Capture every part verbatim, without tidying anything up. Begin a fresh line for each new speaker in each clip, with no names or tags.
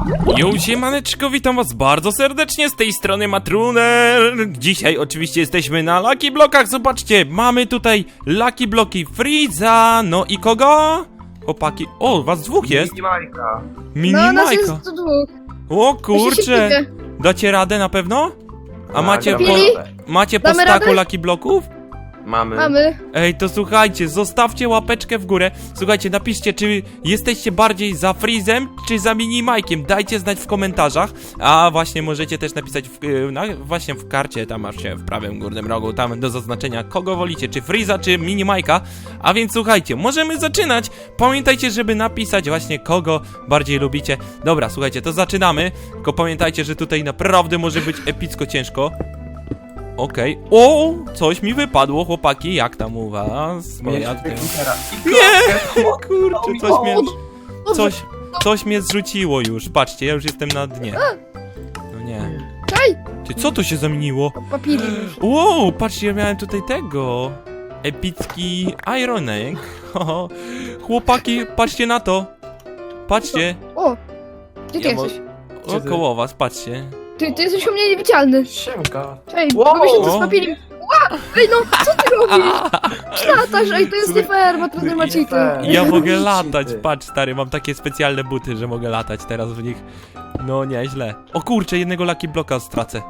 Jo, siemaneczko, witam was bardzo serdecznie, z tej strony Matruner. Dzisiaj oczywiście jesteśmy na Lucky Blockach, zobaczcie, mamy tutaj Lucky Bloki Freeza, no i kogo? Chłopaki, o, was dwóch jest.
Mini Majka.
Mini
No, nas
Majka.
jest tu dwóch.
O
Jeszcze
kurcze,
się
dacie radę na pewno? A
Tak,
macie
damy
po,
radę.
macie po
Damy
staku
radę?
Lucky Bloków?
Mamy.
Mamy.
Ej, to słuchajcie, zostawcie łapeczkę w górę. Słuchajcie, napiszcie, czy jesteście bardziej za Freezem, czy za Mini Majkiem. Dajcie znać w komentarzach. A właśnie możecie też napisać w, y, na, właśnie w karcie, tam masz się w prawym górnym rogu, tam do zaznaczenia, kogo wolicie, czy Freeza, czy Mini Majka. A więc słuchajcie, możemy zaczynać. Pamiętajcie, żeby napisać właśnie, kogo bardziej lubicie. Dobra, słuchajcie, to zaczynamy. Tylko pamiętajcie, że tutaj naprawdę może być epicko ciężko. Okej. Okay. O, coś mi wypadło, chłopaki. Jak tam u was? Moja... Nie! Kurczę, coś mnie... Coś, coś mnie zrzuciło już. Patrzcie, ja już jestem na dnie. No nie.
Czaj!
Ty, co to się zamieniło?
Papili.
Wow, patrzcie, ja miałem tutaj tego. Epicki Ironek. Chłopaki, patrzcie na to. Patrzcie.
O! Gdzie ty
Ja mo-
jesteś?
O, koło was, patrzcie.
Ty, ty jesteś u mnie niewidzialny.
Siemka.
Ej,
Wow.
bo mi się to z papili. Ła! Ej, no, co ty robisz? Latasz, ej, to jest nie fair, ma trudne ma cheaty.
Ja mogę
Cheaty.
latać, patrz stary, mam takie specjalne buty, że mogę latać teraz w nich. No nieźle. O kurczę, jednego Lucky Blocka stracę.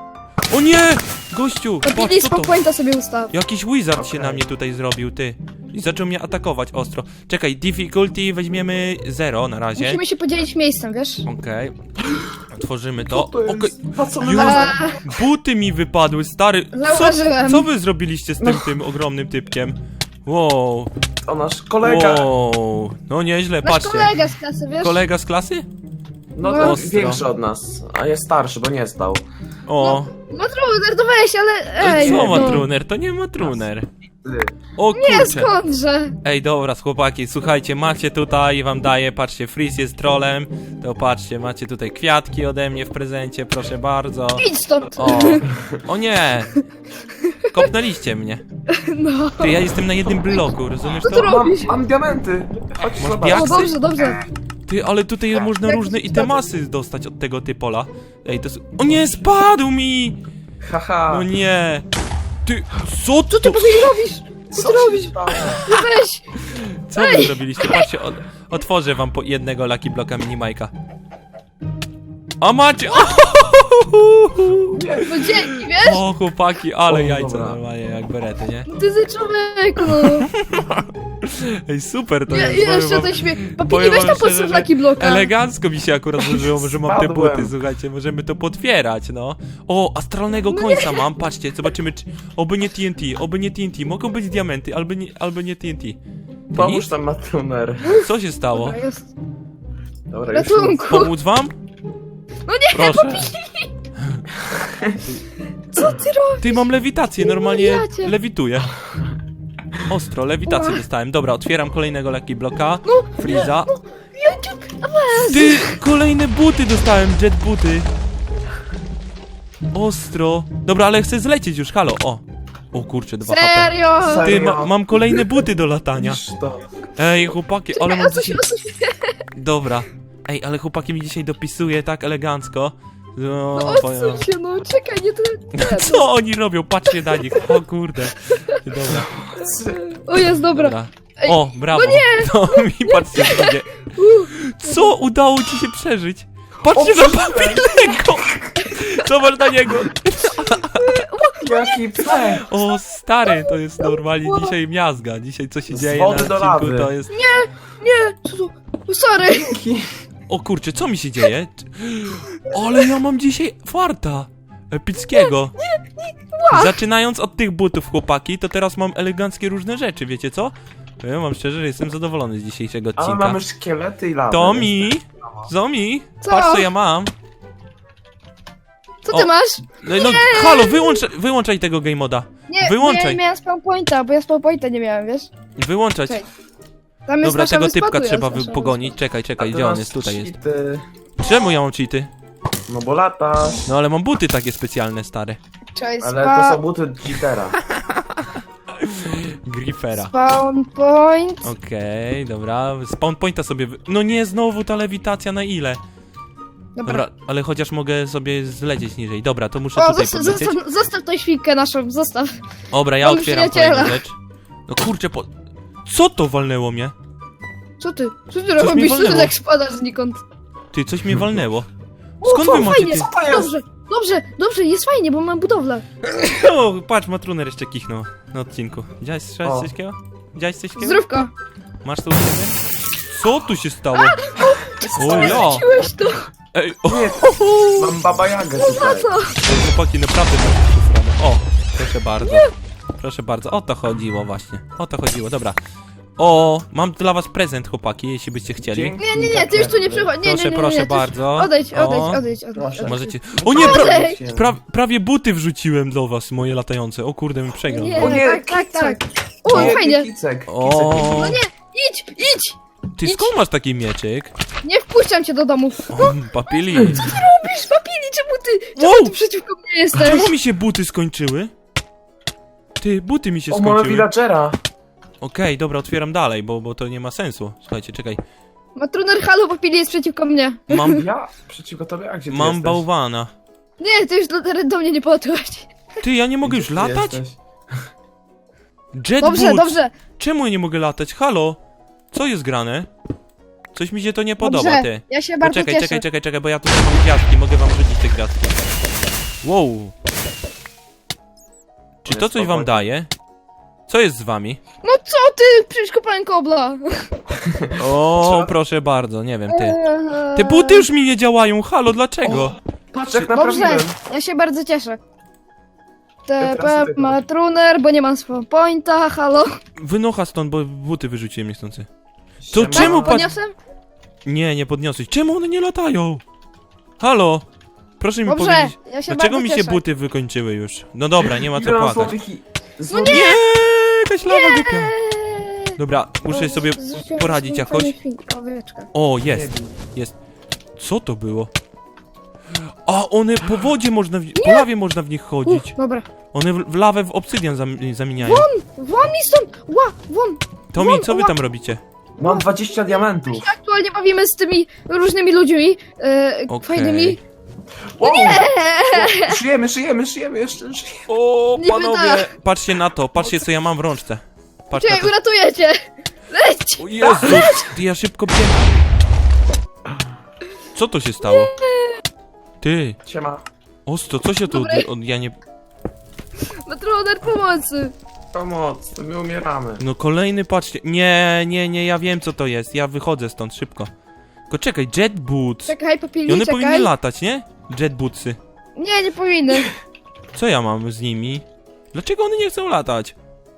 O nie! Gościu, patrz
Papili
co to?
spokojnie sobie ustaw.
Jakiś wizard się
Okej.
na mnie tutaj zrobił, ty. I zaczął mnie atakować ostro. Czekaj, difficulty weźmiemy zero na razie.
Musimy się podzielić miejscem, wiesz?
Okej. Otworzymy to.
To jest...
Okej.
Po co my
Już.
nas...
A,
Buty mi wypadły, stary. Co,
Zauważyłem.
co wy zrobiliście z tym, tym ogromnym typkiem? Wow.
O, nasz kolega.
Wow. No nieźle,
Nasz
patrzcie.
kolega z klasy, wiesz?
Kolega z klasy?
No
No.
to
Ostro.
większy od nas, a jest starszy, bo nie zdał.
O.
No trudno, to weź, ale ej,
Co
no.
Matruner? To nie Matruner.
Ty.
O
Nie,
kurczę.
skądże?
Ej, dobra, chłopaki, słuchajcie, macie tutaj, wam daję, patrzcie, Freeze jest trolem. To patrzcie, macie tutaj kwiatki ode mnie w prezencie, proszę bardzo.
Idź stąd.
O, o nie. Kopnęliście mnie.
No.
Ty, ja jestem na jednym bloku, rozumiesz
Co ty
to?
robisz?
Mam,
Robisz?
mam diamenty. Chodź
Masz
zobacz.
diak-
O, dobrze, dobrze.
Ty, ale tutaj można
Jak
różne
to
itemasy dostać od tego typola. Ej, to jest... O nie, spadł mi!
Haha.
No nie. Ty, co
Co ty
to?
papili robisz? Co ty robisz?
się stało?
No weź.
Co wy zrobiliście? Patrzcie, od, otworzę wam po jednego Lucky Blocka Mini Majka. O macie!
Nie.
No dzięki, wiesz?
O chłopaki, ale
O,
jajca
dobra.
normalnie jak berety, nie?
Ty za człowieku, no.
Ej, super to
Ja,
jest. powiem
jeszcze
wam-
to śmie...
powiem
Papili, weź
wam
tam
szczerze,
podstaw
że
Lucky Blocka.
Elegancko mi się akurat złożyło, że mam te
Spadłem.
buty, słuchajcie, możemy to potwierać, no. O, astralnego
No
końca mam, patrzcie, zobaczymy, czy... Oby nie T N T, oby nie T N T, mogą być diamenty, albo nie, albo nie T N T. To
Pomóż
nic?
tam Matruner.
Co się stało?
Dobra, jest.
Dobra, już
Ratunku.
Pomóc wam?
No nie,
Proszę.
co ty robisz?
Ty, mam lewitację,
Nie
normalnie
wariacie.
lewituję. Ostro, lewitację
Ła.
dostałem. Dobra, otwieram kolejnego Lucky Blocka.
No,
Freeza.
ja cię... A weź.
Ty, kolejne buty dostałem, jet buty. Ostro. Dobra, ale chcę zlecieć już, halo, o. O kurczę, dwa H P.
Serio?
Ty, ma, mam kolejne buty do latania.
Niż to.
Ej, chłopaki, ale
Ej,
mam
o co się,
dzisiaj...
o co się...
Dobra. Ej, ale chłopaki mi dzisiaj dopisuje tak elegancko. No,
No
powiem-
odsuń się, no czekaj, nie to... Nie,
Co oni robią? Patrzcie na nich. O kurde. Dobra,
O jest, dobra.
dobra.
Ej,
O, brawo.
no nie!
To mi patrzcie sobie. Co? Udało ci się przeżyć? Patrzcie
O,
na papilego! Zobacz na niego.
Jaki psek.
O, stary, to jest normalnie dzisiaj miazga. Dzisiaj co się
Z
dzieje na
wody do
odcinku
lawy.
to jest...
Nie, co to? O, sorry.
O kurczę, co mi się dzieje? Ale ja mam dzisiaj farta epickiego. Zaczynając od tych butów, chłopaki, to teraz mam eleganckie różne rzeczy, wiecie co? Ja mam szczerze, że jestem zadowolony z dzisiejszego
Ale
odcinka.
mamy szkielety i lawę.
Tomi! Zomi!
Co?
Patrz co ja mam!
Co ty
O.
masz?
No, no halo, wyłącz, wyłączaj tego game moda.
Nie,
Wyłączaj.
nie miałem spawn pointa, bo ja spawn pointa nie miałem, wiesz?
Wyłączać.
Czekaj. Tam jest
Dobra,
nasza
tego
wyspa,
typka
tu jest
trzeba
nasza
wy- pogonić. Czekaj,
A
czekaj,
ty
gdzie on
masz
jest? Tutaj jest.
cheaty.
Czemu ja mam cheaty?
No bo latasz.
No ale mam buty takie specjalne, stare.
wyspa. Czekaj,
Ale
spa...
to są buty cheatera.
Griffera.
Spawn point.
Okej, dobra. Spawn pointa sobie... Wy... No nie, znowu ta lewitacja na ile?
Dobra.
Dobra, ale chociaż mogę sobie zlecieć niżej. Dobra, to muszę
O,
tutaj
zostaw,
podlecieć.
zostaw, zostaw tą świnkę naszą, zostaw.
Dobra, ja
Mam
otwieram
przyjaciela.
kolejną rzecz. No kurczę, po... Co to walnęło mnie?
Co ty? Co ty
mi
robisz? Co ty
walnęło.
tak spadasz znikąd?
Ty, coś mnie walnęło.
O,
Skąd wy
fa-
macie
fajnie,
ty?
to jest?
Dobrze, dobrze, dobrze, jest fajnie, bo mam budowlę.
O, patrz, Matruner jeszcze kichnął na odcinku. Widziałeś coś
O.
takiego? Widziałeś coś takiego?
Zdrówko.
Masz to u siebie? Co tu się stało? O ja!
Wróciłeś to.
Ej, o,
Nie, mam baba Jagę
Na
tutaj.
co?
chłopaki, naprawdę macie przesrane. O, proszę bardzo. Proszę bardzo, o to chodziło właśnie. O to chodziło, dobra. O, mam dla was prezent, chłopaki, jeśli byście chcieli.
Dzięki,
Nie, nie, nie, ty już tu nie przychodź. Nie, nie,
Proszę,
nie, nie,
proszę
nie, ty już-
bardzo.
Odejdź,
O,
odejdź, odejdź, odejdź.
Proszę.
odejdź.
Możecie... O nie, pra...
Odejdź!
pra... prawie buty wrzuciłem do was, moje latające. O kurde, mi przegrał.
Nie,
O nie,
tak, tak, tak.
kicek.
O,
Nie,
fajnie.
Kicek,
O.
kicek.
No nie, idź, idź.
Ty skąd masz taki mieczyk?
Nie wpuszczam cię do domu.
O, papili.
Robisz, papili, czemu ty, czemu
Wow.
ty przeciwko mnie jesteś?
Czemu mi się buty skończyły? Ty, buty mi się
O, mamy
skończyły.
villagera.
Okej, dobra, otwieram dalej, bo, bo to nie ma sensu. Słuchajcie, czekaj.
Matruner, halo, papili jest przeciwko mnie.
Mam,
Ja? Przeciwko tobie? A gdzie ty
mam
jesteś?
bałwana.
Nie, ty już do, do mnie nie podchodź.
Ty, ja nie mogę już
Gdzie ty
latać?
jesteś?
Jet
Dobrze,
boots.
dobrze.
Czemu ja nie mogę latać? Halo? Co jest grane? Coś mi się to nie podoba,
Dobrze,
ty.
ja się bardzo
Poczekaj,
cieszę.
czekaj, czekaj, czekaj, bo ja tutaj mam gwiazdki, mogę wam rzucić te gwiazdki. Wow. Czy to coś wam daje? Co jest z wami?
No co ty, przecież kopałem kobla.
O,
Co?
proszę bardzo, nie wiem, ty.
Eee,
Te buty już mi nie działają, halo, dlaczego?
Patrz jak
Dobrze,
naprawiłem.
ja się bardzo cieszę.
Ja
T
teraz
P
sobie
ma truner, bo nie mam spawn pointa, halo.
Wynocha stąd, bo buty wyrzuciłem niechcący.
Siema.
czemu
Tak,
patrz-
podniosłem?
Nie, nie podniosłeś. Czemu one nie latają? Halo? Proszę mi
Dobrze,
powiedzieć,
ja się
dlaczego
bardzo
mi się
cieszę.
buty wykończyły już? No dobra, nie ma co
Ile mam
płakać.
złotych i-
No
złotych-
Nie, jakaś lawa głupia.
Eee,
Dobra, muszę sobie
zrzuciłem
poradzić
swój
jakoś.
fajny film, owieczka.
O, jest, jest. Co to było? A, one po wodzie można, w... po lawie można w nich chodzić.
Uf, dobra.
One w, w lawę w obsydian zam, zamieniają.
Won mi stąd! Ła, won!
Tomi, co wy tam robicie?
Mam dwadzieścia diamentów.
Aktualnie bawimy z tymi różnymi ludźmi, e,
Okej.
fajnymi.
Wow.
Eee,
Szyjemy, szyjemy, szyjemy, jeszcze szyjemy.
O,
Nie
panowie,
wyda.
patrzcie na to, patrzcie co ja mam w rączce. Patrz na
Czekaj,
to.
uratuję cię! Leć!
O Jezu, ty, ja szybko biegnę. Co to się stało? Ty,
Siema.
ostro, co się tu...
Dobry.
od- Ja nie...
Matroner pomocy!
Pomoc, to my umieramy.
No kolejny, patrzcie. Nie, nie, nie, ja wiem co to jest. Ja wychodzę stąd szybko. Tylko czekaj, jet boots.
Czekaj,
I
papili,
one powinny
czekaj.
latać, nie? Jet bootsy.
Nie, nie powinny.
Co ja mam z nimi? Dlaczego one nie chcą latać?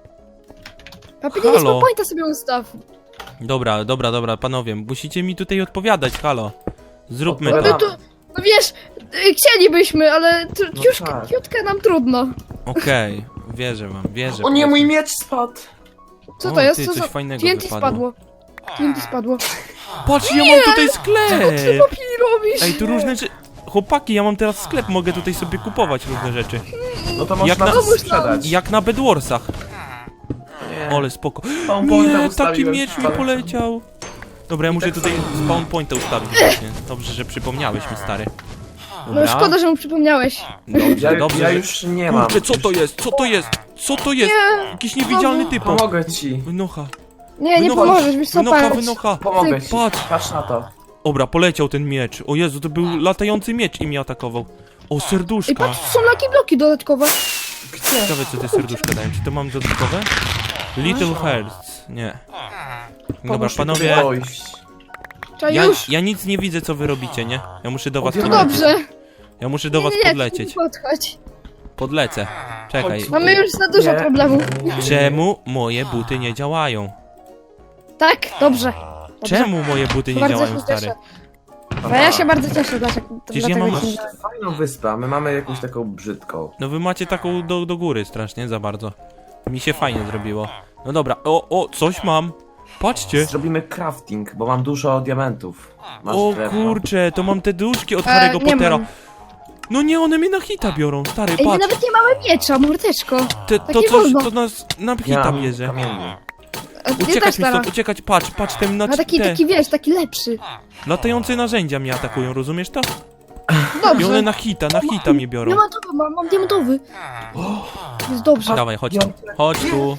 Papili, nie
Halo.
spawn pointa sobie ustaw.
Dobra, dobra, dobra, panowie, musicie mi tutaj odpowiadać, halo. Zróbmy
No
Dobra.
to.
my tu, no wiesz, y, chcielibyśmy, ale tr-
No
ciuszkę,
tak.
ciutkę nam trudno.
Okej, wierzę wam, wierzę.
O nie,
proszę.
mój miecz spadł.
Co
O,
to jest?
ty,
Co
coś
za...
fajnego
T N T
wypadło.
spadło. T N T spadło.
Patrz, ja mam tutaj
Co
sklep!
papili robisz?
Ej, tu różne rzeczy... Chłopaki, ja mam teraz sklep, mogę tutaj sobie kupować różne rzeczy.
No to
Jak
można
na-
nas sprzedać.
Jak na Bedwarsach.
Nie.
Ole, spoko.
Spawn pointa
Nie, taki
ustawiłem,
miecz mi
spadł.
poleciał. Dobra, ja muszę
tak
tutaj
samo.
spawn pointa ustawić właśnie. Dobrze, że przypomniałeś mi, stary.
No szkoda, że mu przypomniałeś.
Dobrze,
Ja,
dobrze,
ja
że...
już nie mam.
Kurczę, co to jest? Co to jest? Co to jest?
Nie,
Jakiś niewidzialny typ.
Pomogę ci.
Wynocha.
nie, nie
Wynocha.
pomożesz, wiesz co,
Wynocha,
patrz.
wynocha.
Pomogę ci.
Patrz.
Patrz na to.
Dobra, poleciał ten miecz. O Jezu, to był latający miecz i mnie atakował. O,
Ej,
serduszka.
patrz, tu są laki bloki dodatkowe.
Ciekawe, co te serduszka dają. Czy to mam dodatkowe? Little Hearts. Nie. Dobra,
Pomóż mi
panowie.
tutaj dojść.
Trzeba
Ja,
już.
ja nic nie widzę, co wy robicie, nie? Ja muszę do was
To
To
podlecieć.
dobrze.
Ja muszę do was
nie, nie, nie,
podlecieć.
nie podchodź.
Podlecę. Czekaj.
Chodź.
Mamy już za dużo
Nie.
problemów.
Czemu moje buty nie działają?
Tak, dobrze. dobrze.
Czemu moje buty nie
Bardzo
działają,
się
stary?
cieszę. No ja się bardzo cieszę, dlaczego.
Przecież ja
dlatego
mam-
się nie
Masz fajną wyspę, a my mamy jakąś taką brzydką.
No wy macie taką do, do góry strasznie, za bardzo. Mi się fajnie zrobiło. No dobra, o, o, coś mam. Patrzcie.
Zrobimy crafting, bo mam dużo diamentów. Masz
O
drewno?
kurcze, to mam te duszki od
E,
Harry'ego
nie
Pottera.
mam.
No nie, one mnie na hita biorą, stary,
Ej, my
patrz.
nawet nie mamy miecza, mordeczko.
Te,
tak
to
nie
coś,
wolno.
to nas na
Ja
hita
mam
bierze.
kamienny.
A ty
Uciekać
też
mi stąd,
teraz.
uciekać, patrz, patrz, ten na
A taki,
te
taki wiesz, taki lepszy.
latające narzędzia mnie atakują, rozumiesz to? I one
Dobrze.
na hita, na hita mnie biorą.
Diamentowy, mam, mam diamentowy. Jest dobrze.
Dawaj, chodź tu, chodź tu.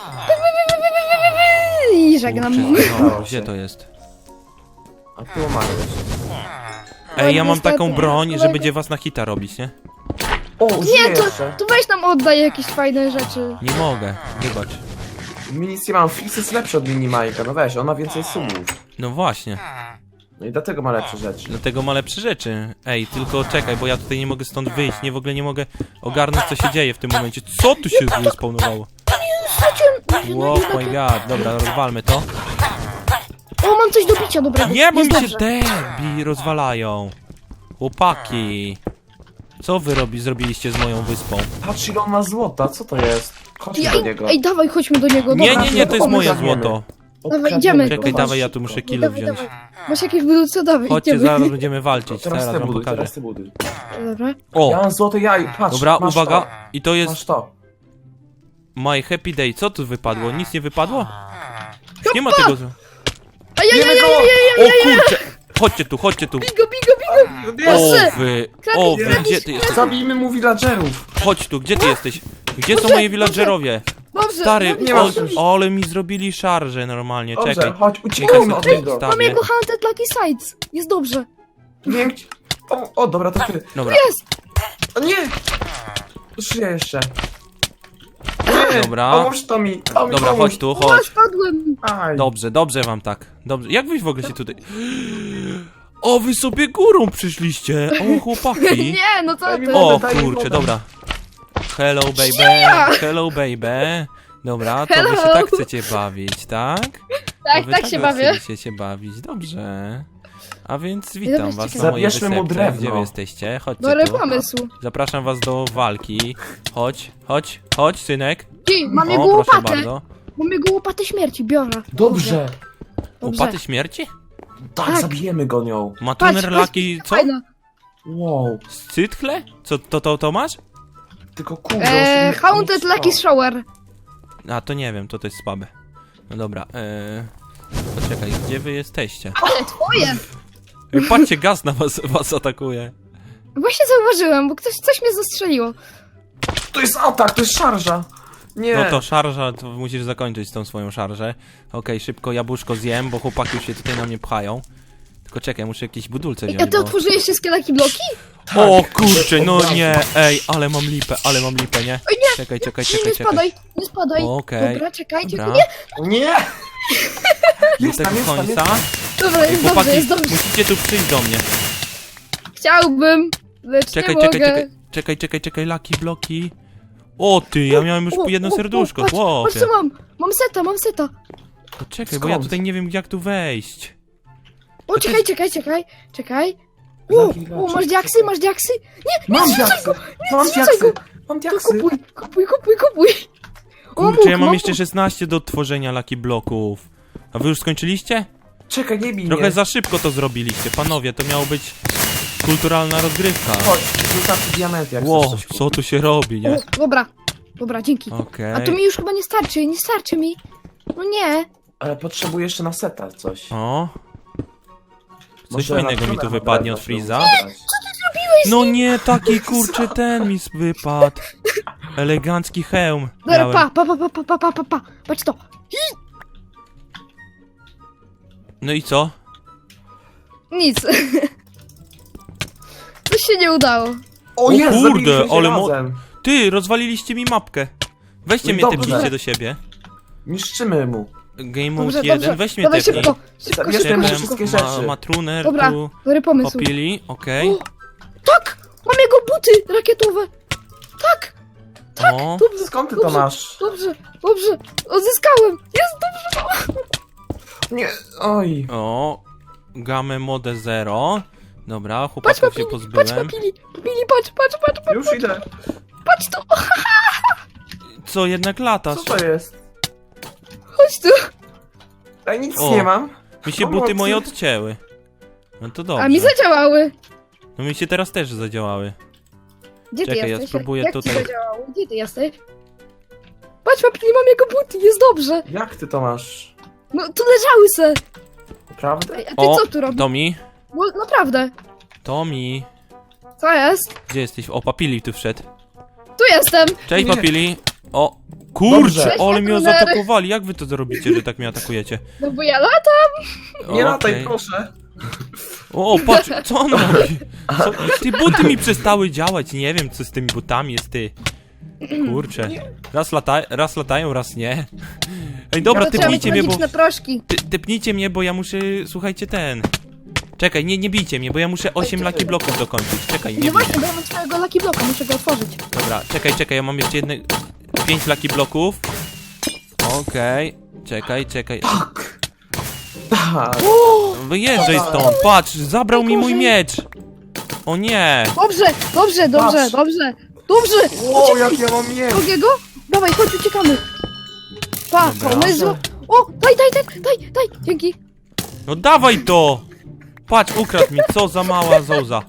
I żegnam.
Kurczę, no,
Udało
gdzie
się.
to jest?
A tu umarłeś.
Ej, ja mam
niestety,
taką broń, że
kolego.
będzie was na hita robić, nie?
O,
Nie,
żyję
to,
jeszcze.
to weź nam oddaj jakieś fajne rzeczy.
Nie mogę, wybacz.
Nic nie mam, Fix jest lepszy od Minimajka, no weź, on ma więcej subów.
No właśnie,
No i dlatego ma lepsze rzeczy.
dlatego ma lepsze rzeczy. Ej, tylko czekaj, bo ja tutaj nie mogę stąd wyjść, nie w ogóle nie mogę ogarnąć, co się dzieje w tym momencie. Co tu się zespawnowało? Wow, my god, dobra, rozwalmy to.
O, mam coś do picia dobrego.
Nie, bo
Jest
mi się
dobrze.
derbi rozwalają. Chłopaki. Co wy robi, zrobiliście z moją wyspą?
Patrz ile on ma złota, co to jest? Chodźmy
Ja,
do niego.
ej, dawaj, chodźmy do niego.
Nie,
dobra.
nie, nie, to jest
Pomysł.
moje
Okradniemy.
złoto.
Dawaj, idziemy.
Czekaj,
go,
dawaj, ja
chodź
tu muszę
szybko.
kilo
Dawaj,
wziąć.
dawaj. Masz jakieś budulce? Dawaj,
Chodźcie,
idziemy.
zaraz będziemy
To
walczyć,
teraz
zaraz
ty
wam
buduj,
pokażę.
teraz ty buduj.
Dobra.
Ja
O,
mam złote jaj, patrz,
dobra,
masz
uwaga.
To.
I to jest
Masz to.
My Happy Day. Co tu wypadło? Nic nie wypadło? Już nie ma tego. z-
A ja, ja, ja,
Wiemy
ja,
go!
ja,
O kurczę! Chodźcie tu, chodźcie tu.
bigo, bigo, bigo.
O
Proszę.
wy, o wy, gdzie ty jesteś?
Zabijmy mu villagerów.
Chodź tu, gdzie ty jesteś? Gdzie są moje villagerowie?
Dobrze.
Stary,
dobrze,
nie ma
dobrze.
już.
o, ale mi zrobili szarże normalnie,
Dobrze,
czekaj.
chodź, uciekajmy od
Ej,
niego.
sta-
Mam jego Hunted Lucky Sides. Jest dobrze.
Nie wiem, gdzie- o, o, dobra, to ty.
Dobra,
Jest.
O nie! Żyję jeszcze. Nie,
Dobra.
pomóż to mi. To mi
dobra,
pomóż.
chodź tu,
O,
chodź.
spadłem.
Aj.
Dobrze, dobrze wam tak. Dobrze. Jak wy w ogóle się tutaj... O, wy sobie górą przyszliście. O, chłopaki.
Nie, no co
Daj mi
ty?
wodę.
O,
daj mi
kurczę,
wodę.
dobra. Hello, baby. Hello, baby. Dobra, to wy się
Hello.
tak chcecie bawić, tak?
Tak,
To wy
tak się bawię.
Chcecie się bawić, dobrze. A więc witam
Dobra,
was
czekaj.
na mojej
Zabierzmy mu
wysepce.
drewno.
Gdzie wy jesteście? Chodźcie
Dobry
tu.
pomysł.
Zapraszam was do walki. Chodź, chodź, chodź, synek.
Ci, mam
O,
jego
proszę
łopatę.
bardzo.
Mam jego łopatę śmierci, biorę.
Dobrze.
Dobrze.
Łopaty śmierci?
Tak,
Tak.
zabijemy go nią.
Ma
Patrz,
tuner
patrz,
laki, co?
fajna.
Wow.
Scytchle? Co, to, to, to masz?
Tylko kurde.
Eee,
on się nie-
Haunted
nie
Lucky
wstał.
Shower.
A, to nie wiem, to to jest słabe. No dobra, eee... Poczekaj, gdzie wy jesteście?
Ale twoje.
Ej, patrzcie, gaz na was, was atakuje.
Właśnie zauważyłem, bo ktoś coś mnie zastrzeliło.
To jest atak, to jest szarża. Nie.
No to szarża, to musisz zakończyć tą swoją szarżę. Okej, szybko jabłuszko zjem, bo chłopaki już się tutaj na mnie pchają. Tylko czekaj, muszę jakieś budulce
Ej,
wziąć,
a ty
bo...
otworzyłeś wszystkie Lucky Bloki?
O
Tak.
kurczę, no
Od razu.
nie, ej, ale mam lipę, ale mam lipę, nie?
Oj, nie,
Czekaj, czekaj,
Nie,
czekaj,
nie
czekaj.
spadaj, nie spadaj.
Okej.
Dobra, czekajcie.
Dobra.
Nie,
Nie!
Do
Jest
tego
tam, jest tam, jest
końca.
tam.
dobra,
Ej,
jest
chłopaki,
dobrze, jest dobrze.
musicie tu przyjść do mnie.
Chciałbym, lecz
Czekaj,
nie
czekaj,
mogę.
czekaj, czekaj, czekaj, czekaj, laki, bloki. O ty, ja miałem już
O,
jedno
o, o,
serduszko,
patrz,
chłopie.
patrz co mam, mam seta, mam seta.
Czekaj, bo ja
Skąd?
tutaj nie wiem jak tu wejść.
O, czekaj, czekaj, czekaj, czekaj. O,
Lucky
o,
Block.
masz diaksy, masz diaksy? Nie, nie
Mam
zrzucaj
diaksy!
go,
Mam
zrzucaj
diaksy!
go.
Mam
To
diaksy!
kupuj, kupuj, kupuj, kupuj. O,
Kurczę,
mógł,
ja mam
mógł.
jeszcze szesnaście do tworzenia laki bloków. A wy już skończyliście?
Czekaj, nie bij
Trochę
mnie.
za szybko to zrobiliście, panowie, to miało być kulturalna rozgrywka.
Chodź, rzucam ci diamenty, jak
Ło,
chcesz coś
co tu się robi, nie?
O, dobra, dobra, dzięki.
Okej.
A to mi już chyba nie starczy, nie starczy mi. No nie.
Ale potrzebuję jeszcze na seta coś.
O. Coś
Może
fajnego
na
mi tu
drewno
wypadnie od
trzeba
Freeza.
zebrać.
No nie, taki kurczę ten mi wypadł. Elegancki hełm
Dobra,
miałem.
pa, pa, pa, pa, pa, pa, pa, pa, pa. Patrz to.
No i co?
Nic. Coś się nie udało.
O jest,
kurde,
zabiliśmy się
ale mo-
razem.
Ty, rozwaliliście mi mapkę. Weźcie
No
mnie
dobrze.
tepnijcie do siebie.
Niszczymy mu.
Game Mode
Dobrze,
jeden,
dobrze.
weź mnie
Dawaj
tepnij.
szybko, szybko,
Zabierzmy
szybko,
mu
szybko.
wszystkie
ma,
rzeczy.
ma truner
Dobra,
tu.
dobry pomysł.
Popili, okej.
O, tak! Mam jego buty rakietowe. Tak,
O,
dobrze,
Skąd ty to
dobrze,
masz?
dobrze, dobrze. Odzyskałem. Jest dobrze.
Nie, oj.
o. Game Mode zero. Dobra,
Patrz,
chłopaków się
papili, patrz,
pozbyłem.
papili, papili, patrz, patrz, patrz, patrz,
Już idę.
patrz to.
Co, jednak latasz?
Co to jest?
Chodź tu.
Ej, nic
O.
nie mam.
Mi się
Pomocy.
buty moje odcięły. No to dobrze.
A mi zadziałały.
No mi się teraz też zadziałały.
Gdzie
Czekaj,
ty
ja
jesteś?
spróbuję
Jak
tutaj-
ci zadziałało? Gdzie ty jesteś? patrz, papi, nie mam jego buty, jest dobrze.
Jak ty to masz?
No, tu leżały se.
Naprawdę?
Ej, a ty
O,
co tu robisz?
Tomi,
No, naprawdę.
Tomi,
Co jest?
gdzie jesteś? O, Papili tu wszedł.
Tu jestem.
Cześć,
Nie.
Papili. O, kurczę,
Dobrze.
ale mnie
Cześć,
zaatakowali. Jak wy to zrobicie, że tak mnie atakujecie?
No bo ja latam.
Nie
Okej.
lataj, proszę.
O, patrz, co on robi? Co? Ty buty mi przestały działać, nie wiem co z tymi butami jest, ty. Kurczę. Raz, lata raz latają, raz nie. Ej, dobra,
To trzeba mieć
typnijcie mnie, bo...
magiczne proszki.
Ty, typnijcie mnie, bo ja muszę, słuchajcie, ten... Czekaj, nie, nie bijcie mnie, bo ja muszę osiem lucky bloków dokończyć. Czekaj, nie
No
bij.
właśnie, bo ja mam swojego Lucky Blocka, muszę go otworzyć.
Dobra, czekaj, czekaj, ja mam jeszcze jedne... Pięć lucky bloków. Okej. Czekaj, czekaj.
Tak.
Wyjeżdżaj stąd, patrz, zabrał mi mój miecz. O nie.
Dobrze, dobrze, dobrze,
Patrz.
dobrze. Dobrze!
Ło, jak ja mam mieć?
Drugiego? Dawaj, chodź, uciekamy. Pa,
Dobra.
pomysł. O, daj, daj, daj, daj, daj, dzięki.
No dawaj to! Patrz, ukradł mi, co za mała zołza.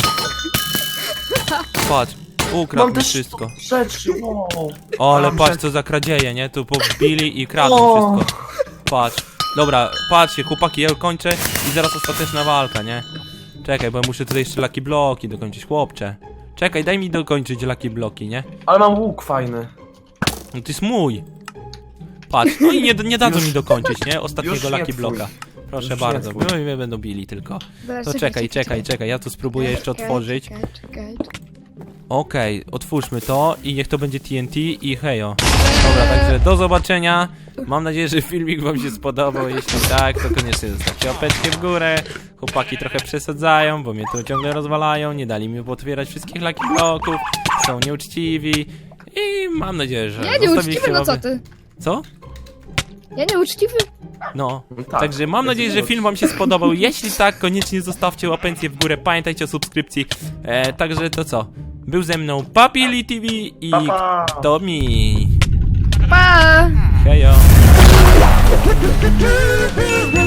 Patrz, ukradł
Mam
mi
też
wszystko.
rzeczy, wow.
O, ale
Mam
patrz,
rzeczy.
co za kradzieje, nie? Tu pobili i kradną
O.
wszystko. Patrz. Dobra, patrzcie, chłopaki, ja kończę i zaraz ostateczna walka, nie? Czekaj, bo ja muszę tutaj jeszcze lucky bloki dokończyć, chłopcze. Czekaj, daj mi dokończyć lucky bloki, nie?
Ale mam łuk fajny.
No to jest mój. Patrz, no i nie, nie dadzą
Już-
mi dokończyć, nie?
już
Ostatniego
nie
lucky
twój.
bloka. Proszę
Już nie
bardzo,
twój.
no i mnie będą bili tylko.
Zaraz,
To czekaj, czekaj, czekaj, ja tu spróbuję jeszcze
Czekaj,
otworzyć.
Czekaj, czekaj, czekaj.
Okej, otwórzmy to i niech to będzie T N T i hejo. Dobra, także do zobaczenia. Mam nadzieję, że filmik wam się spodobał. Jeśli tak, to koniecznie zostawcie łapeczkę w górę. Chłopaki trochę przesadzają, bo mnie tu ciągle rozwalają. Nie dali mi potwierać wszystkich lucky bloków. Są nieuczciwi. I mam nadzieję, że
Ja nie
zostawiliście
uczciwy, no co
łapę-
ty?
Co?
Ja nie uczciwy?
No,
Tak,
także mam nadzieję, że film wam się spodobał. Jeśli tak, koniecznie zostawcie łapencję w górę. Pamiętajcie o subskrypcji. E, także to co? Był ze mną Papili T V i
Pa, pa.
Tomi.
Pa!
Hejo.